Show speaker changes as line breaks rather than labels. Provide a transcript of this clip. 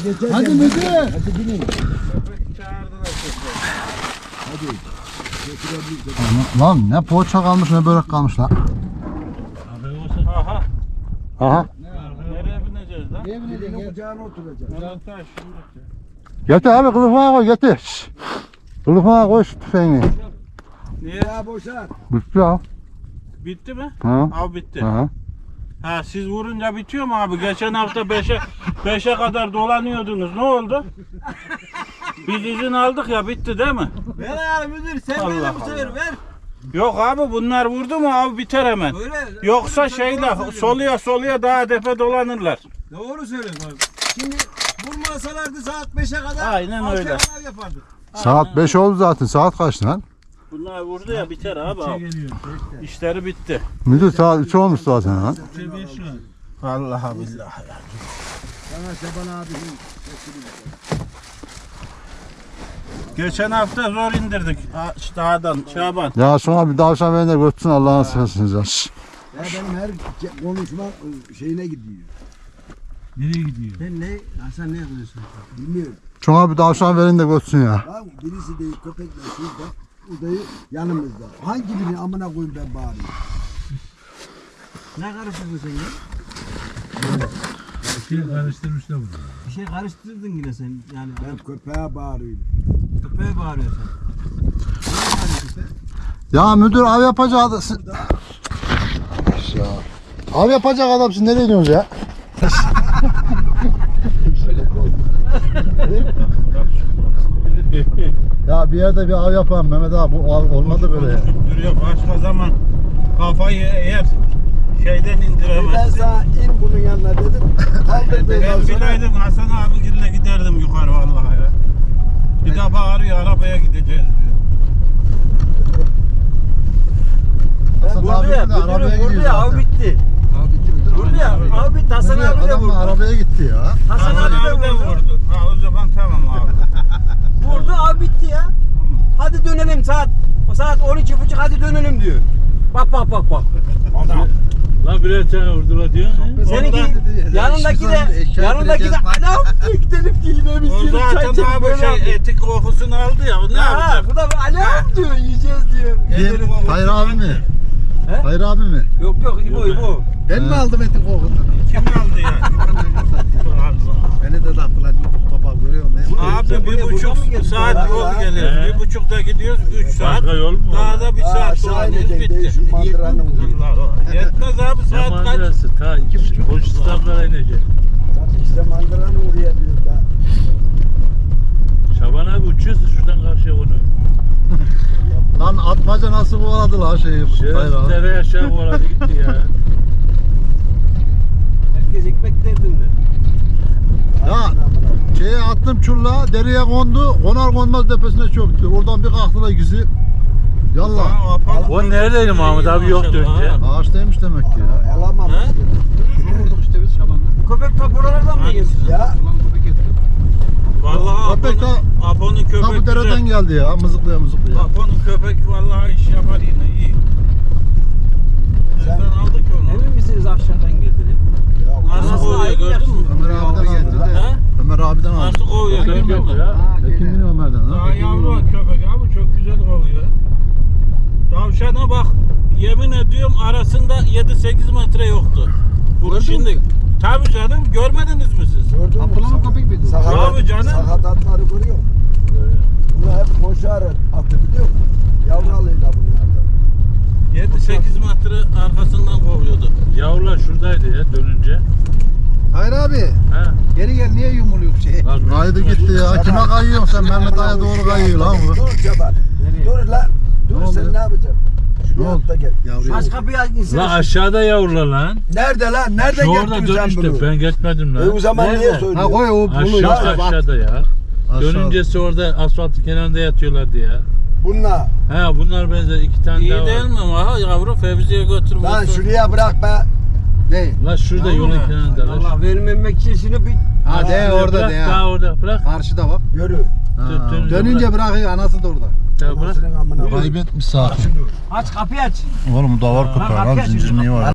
Hadi müdür.
Hadi binin. Hadi.
Lan ne poğaça kalmış ne börek kalmış lan.
Aha.
Aha.
Nereye bineceğiz lan?
Birinin kucağına oturacağız.
Getir abi kılıfına koy getir. Şşş. Kılıfına koy şu tüfeğini.
Niye?
Ya boşalt.
Bitti ya.
Bitti mi?
Ha.
Abi bitti.
Ha.
Ha siz vurunca bitiyor mu abi? Geçen hafta 5'e kadar dolanıyordunuz. Ne oldu? Biz izin aldık ya bitti değil mi?
Ver ayarı müdür sen
Allah
ver bu sefer
Allah.
ver.
Yok abi bunlar vurdu mu abi biter hemen.
Böyle.
Yoksa şeyle soluya daha depe dolanırlar.
Doğru söylüyorsun abi. Şimdi vurmasalardı saat 5'e kadar
Aynen öyle.
antrenman yapardık.
Saat 5 oldu zaten. Saat kaç lan?
Bunlar vurdu ya biter abi. İşleri bitti.
Müdür saat 3 olmuş zaten lan.
Vallahi billahi.
Sana Şaban abi.
Geçen hafta zor indirdik dağdan Şaban.
Ya sonra bir tavşan beni de götürsün Allah'ın seversiniz ya. Şşş.
Ya benim her konuşma şeyine gidiyor.
Nereye gidiyor? Sen ne? Hasan ne yapıyorsun?
Bilmiyorum.
Şuna bir tavşan verin de götürsün ya.
Lan birisi değil köpekle şurada. Udayı yanımızda. Hangi birini amına koyayım ben bağırıyorum.
Ne karıştırdın sen ya?
Bir şey karıştırmışlar bunu.
Bir şey karıştırdın yine sen yani.
Ben köpeğe bağırıyorum.
Köpeğe bağırıyorsun. Ne bağırıyor köpek?
Ya müdür av yapacak adam. Ya. Av yapacak adamsın nereye gidiyorsunuz ya? Ya bir yerde bir av yapalım Mehmet abi bu av olmadı böyle ya.
Duruyor başka zaman kafayı eğer şeyden
Ben
indiremezsin.
sana in bunun yanına dedim. Kaldırdığından
Ben
sonra.
bileydim Hasan abigille giderdim yukarı vallahi ya. Bir de bağırıyor arabaya gideceğiz diyor.
Hasan
Vurdu
abi
ya,
de arabaya
müdürüm vurdu
gidiyor
ya, av
zaten.
bitti. Vurdu ya, av bitti. Hasan
Müdür,
abi de
adam
vurdu.
arabaya gitti ya.
Hasan
Hasan
abi de vurdu.
Ha o zaman tamam abi.
Vurdu, av bitti ya. Hadi dönelim saat 12.30 hadi dönelim diyor. Bak.
Lan birer tane vurdular diyor.
Seninki yanındaki de anam diyor gidelim ki yine biz
O
yine çay
zaten
içelim
abi
böyle yapıyor.
etik kokusunu aldı ya. O ne
Ha,
yapacak?
bu da anam diyor yiyeceğiz diyor.
Kim? Hayır abi mi?
He?
Hayır abi mi?
Yok İbo.
Ben mi aldım etin kokundan?
Kim aldı ya? Allah.
Beni de taktılar YouTube kapağı görüyor musun?
Abi
Sen buraya
1,5
buradan mı geldin?
saat
Ya,
yol
ya.
geliyoruz. 1,5'da gidiyoruz 3 saat.
Başka yol mu?
Daha da 1 saat
Aşağı
dolanıyoruz
inecek
bitti.
değişim mandıranın vuruyor.
Allah Allah. Yetmez abi
Ne
saat kaç?
mandırası? Ta 2,5 koş İstanbul'a inecek.
İşte mandıranın oraya diyor da.
Şaban abi uçuyorsun şuradan karşıya onu.
Lan atmaca nasıl kovaladı lan şeyi? Hayır abi.
Dereye aşağı vuradı gitti ya.
Herkes ekmek derdinde.
Ya şeye attım çulla dereye kondu. Konar konmaz tepesine çöktü. Oradan bir kalktılar ikisi. Yallah.
O neredeydi Mahmut abi yoktu önce.
Ağaçtaymış demek ki ya.
Alamam.
He?
Vurduk işte biz Şaban'la.
Köpek ta buralardan mı geliyor?
Ya
Ulan köpek getirdim.
Vallahi
Köpek
Apo'nun
Ta
köpek
bu dereden
güzel.
geldi ya. Mızıklaya mızıklaya.
Apo'nun köpek vallahi iş yapar yine iyi. Nereden aldık onu?
Emin misiniz aşağıdan geldi?
Nasıl kovuyor gördün mü?
Ömer abiden aldı.
He?
Ömer abiden aldı.
Nasıl kovuyor
Köpek
gördün
yok
mü?
ya.
Kim biliyor Ömer'den
Daha
ha?
yavru köpek abi çok güzel kovuyor. Tavşana bak yemin ediyorum arasında 7-8 metre yoktu. Bu şimdi tabii canım görmediniz mi siz?
gördün mü?
Abdullah'ın köpek miydi o?
Abi canım.
Sakatatları görüyor musun? Bunlar hep koşar atı biliyor musun? Yavralıyla bunlardan.
7-8 metre arkasından kovuyordu.
Yavrular şuradaydı ya dönünce.
Hayır abi.
Ha.
Geri gel niye yumuluyor şey?
Lan
Kaydı gitti ya. Kime kayıyorsun sen? Mehmet Ağa'ya doğru kayıyor lan bu.
Dur Şaban. Dur lan. Dur
Ne
sen
oldu?
ne yapacaksın?
Ne
Şuraya
oldu?
atla gel.
Yavruya.
Aç kapıyı insin.
Lan aşağıda yavrular lan.
Nerede lan? Nerede
Şu orada
getirdin sen
dönüşte
bunu?
ben geçmedim
O
lan.
zaman niye
Nerede?
Ha
söylüyorsun?
koy o bunu
Aşağı
ya.
aşağıda ya.
Aşağı.
Dönüncesi orada asfaltın kenarında yatıyorlardı ya.
Bununla.
Ha bunlar benzer 2 tane
İyi
daha
değil
var.
mi ama yavru Fevzi'ye götür.
Lan
götür.
şuraya bırak be.
Ne?
Lan şurada
Yavru
yolun
mu?
kenarında lan.
Allah vermemek için şunu bir
Ha de orada
Bırak
de ya.
daha orada bırak.
Karşıda bak.
Yürü.
Ha.
Dönünce bırakıyor anası da orada.
Daha bırak.
Anasının amına.
Kaybetmiş saati.
aç kapıyı aç.
Oğlum davar köpeği lan zincir niye var?